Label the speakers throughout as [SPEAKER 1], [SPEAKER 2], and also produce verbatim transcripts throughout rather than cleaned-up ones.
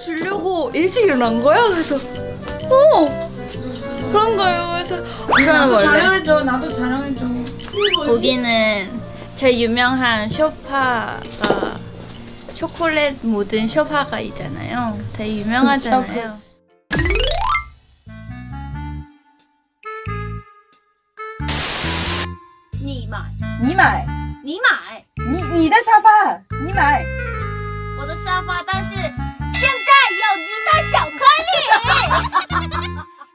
[SPEAKER 1] 주려고 일찍 일어난 거야? 그래서 어 그런 거예요. 그래서
[SPEAKER 2] 나도
[SPEAKER 1] 원래
[SPEAKER 2] 촬영해줘. 나도 촬영해줘.
[SPEAKER 1] 여기는 제일 유명한 쇼파가 초콜릿 묻은 쇼파가 있잖아요. 되게 유명하잖아요.
[SPEAKER 3] 你买，
[SPEAKER 2] 你买，
[SPEAKER 3] 你买
[SPEAKER 2] 你你的沙发，你买。
[SPEAKER 3] 我的沙发，但是现在有你的巧克力。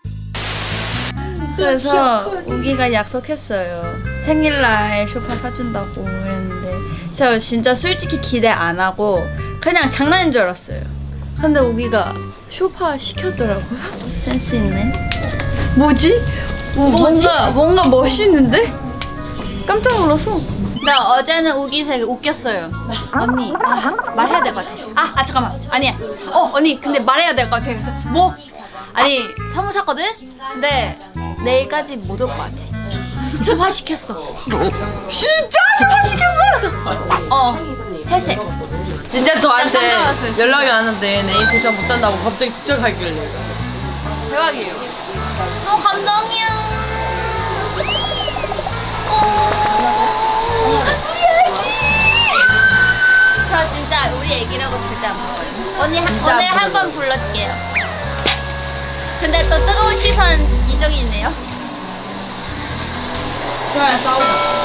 [SPEAKER 1] 그래서 우기가 약속했어요. 생일날 쇼파 사준다고 그랬는데 제가 진짜 솔직히 기대 안 하고 그냥 장난인 줄 알았어요. 근데 우기가 쇼파 시켰더라고요. 센스 있네. 뭐지? 뭐, 뭔가 뭔가 멋있는데? 깜짝 놀랐어. 나 어제는 우기 되게 웃겼어요. 언니 아, 말해야 될 것 같아. 아, 아 잠깐만 아니야. 어 언니 근데 말해야 될 것 같아. 그래서 뭐? 아니 선물 샀거든? 근데 내일까지 못 올 것 같아. 쇼파 시켰어.
[SPEAKER 2] 진짜 쇼파 시켰어?
[SPEAKER 1] 어 회색.
[SPEAKER 2] 진짜 저한테
[SPEAKER 1] 깜짝 놀랐어요, 진짜.
[SPEAKER 2] 연락이 왔는데 내일 도착 못한다고 갑자기 도착하길래.
[SPEAKER 1] 대박이에요. 너무 감동이야. 어, 우리 애기. 저 진짜 우리 애기라고 절대 안 먹어요. 언니 한,
[SPEAKER 2] 진짜
[SPEAKER 1] 오늘
[SPEAKER 2] 안
[SPEAKER 1] 한 번 불러줄게요. 근데 또 뜨거운 시선 이정이 있네요.
[SPEAKER 2] 좋아요, 싸우자.